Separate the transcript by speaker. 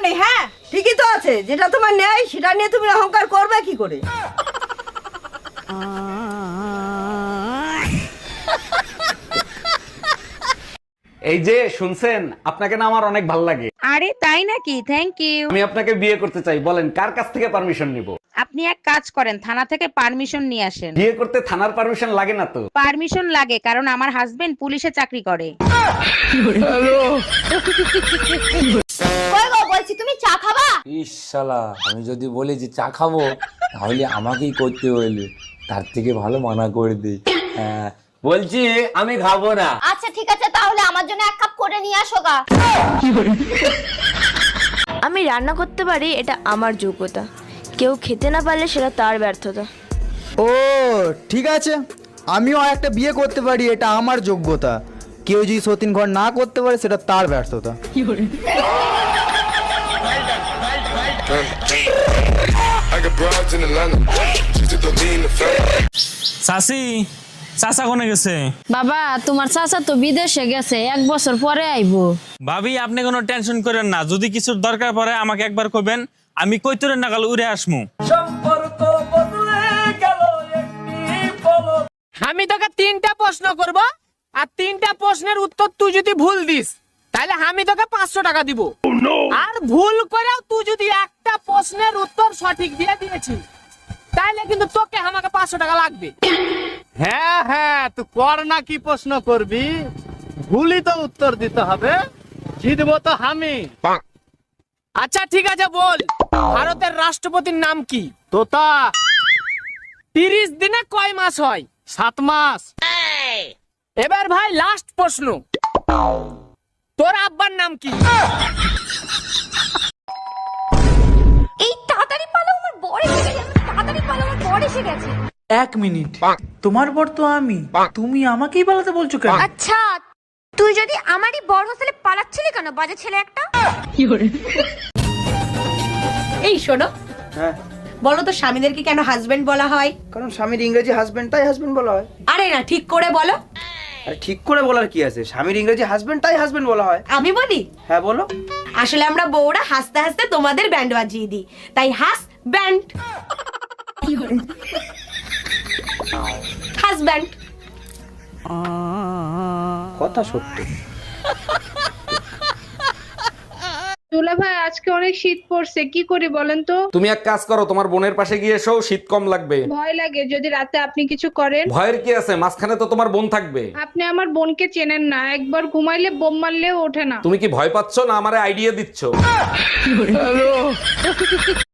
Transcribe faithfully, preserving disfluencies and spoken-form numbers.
Speaker 1: নেই। হ্যাঁ ঠিকই তো আছে, যেটা তোমার নেই সেটা নিয়ে তুমি অহংকার করবে কি করে?
Speaker 2: এই যে শুনছেন, আপনাকে না আমার অনেক ভালো লাগে।
Speaker 3: আরে তাই নাকি? Thank you.
Speaker 2: আমি আপনাকে বিয়ে করতে চাই, বলেন কার কাছ থেকে পারমিশন নিব?
Speaker 3: আপনি এক কাজ করেন, থানা থেকে পারমিশন নিয়ে আসেন।
Speaker 2: বিয়ে করতে থানার পারমিশন লাগে না তো?
Speaker 3: পারমিশন লাগে, কারণ আমার হাজবেন্ড পুলিশে চাকরি করে।
Speaker 4: কই গো, বলছি তুমি চা খাবা?
Speaker 5: ইস শালা, আমি যদি বলি যে চা খাবো তাহলে আমাকেই করতে হইলে, তার থেকে ভালো মানা করে দিই। হ্যাঁ বলছি আমি খাবো না।
Speaker 4: আচ্ছা ঠিক আছে, তাহলে আমার জন্য এক কাপ করে নিয়ে আসো গা।
Speaker 6: আমি রান্না করতে পারি, এটা আমার যোগ্যতা। কেউ খেতে না পারলে সেটা তার ব্যর্থতা।
Speaker 7: ও ঠিক আছে, আমিও একটা বিয়ে করতে পারি, এটা আমার যোগ্যতা। কেউ যদি সতীন ঘর না করতে পারে সেটা তার ব্যর্থতা।
Speaker 8: চাচি, চাচা কোনে গেছে?
Speaker 9: বাবা, তোমার চাচা তো বিদেশে গেছে, এক বছর পরে আইবো।
Speaker 8: ভাবি আপনি কোনো টেনশন করেন না, যদি কিছুর দরকার পড়ে আমাকে একবার কইবেন, আমি কইতরে নাগাল উড়ে আসমু।
Speaker 10: আমি তোকে তিনটা প্রশ্ন করব, আর তিনটা প্রশ্নের উত্তর তুই যদি ভুল দিস তাহলে আমি তোকে পাঁচশো টাকা দিব। আর ভুল করেও তুই যদি একটা প্রশ্নের উত্তর সঠিক দিয়ে দিয়েছিস তাহলে কিন্তু তোকে আমাকে পাঁচশো টাকা লাগবে। হ্যাঁ হ্যাঁ, তুই কর না, কি প্রশ্ন করবি? ভুলই তো উত্তর দিতে হবে, জিতবো তো আমি। আচ্ছা ঠিক আছে, বল ভারতের রাষ্ট্রপতির নাম কি? তোতা। তিরিশ দিনে কয় মাস হয়? সাত মাস। এবার ভাই লাস্ট প্রশ্ন, তোর আব্বার নাম কি?
Speaker 4: এই তাড়াতাড়ি পালো, আমার বর এসে গেছে। তাড়াতাড়ি পালো, আমার বর এসে গেছে।
Speaker 11: এক মিনিট, তোমার বর তো আমি, তুমি আমাকেই পালাতে বলছো কেন?
Speaker 4: আচ্ছা তুই যদি আমারই বর হোস্টেলে পালাচ্ছিলি কেন, বাজে ছেলে একটা?
Speaker 1: এই শোনো,
Speaker 7: হ্যাঁ
Speaker 1: বলো তো স্বামীদেরকে কেন হাজবেন্ড বলা হয়?
Speaker 7: কারণ স্বামীর ইংরেজি হাজবেন্ড, তাই হাজবেন্ড বলা হয়।
Speaker 1: আরে না, ঠিক করে বলো।
Speaker 7: আরে ঠিক করে বলার কি আছে, স্বামীর ইংরেজি হাজবেন্ড, তাই হাজবেন্ড বলা হয়।
Speaker 1: আমি বলি?
Speaker 7: হ্যাঁ বলো।
Speaker 1: আসলে আমরা বউরা হাসতে হাসতে তোমাদের ব্যান্ড বাজিয়ে দিই, তাই হাস ব্যান্ড। হাজব্যান্ড।
Speaker 7: কথা সত্যি।
Speaker 9: দুলা ভাই, আজকে অনেক শীত পড়ছে, কি করি বলেন তো?
Speaker 2: তুমি এক কাজ করো, তোমার বোনের পাশে গিয়ে এসো, শীত কম লাগবে।
Speaker 9: ভয় লাগে যদি রাতে আপনি কিছু করেন।
Speaker 2: ভয়ের কি আছে, মাঝখানে তো তোমার বোন থাকবে।
Speaker 9: আপনি আমার বোনকে চেনেন না, একবার ঘুমাইলে বোম মারলেও ওঠে না।
Speaker 2: তুমি কি ভয় পাচ্ছ না আমারে আইডিয়া দিচ্ছ?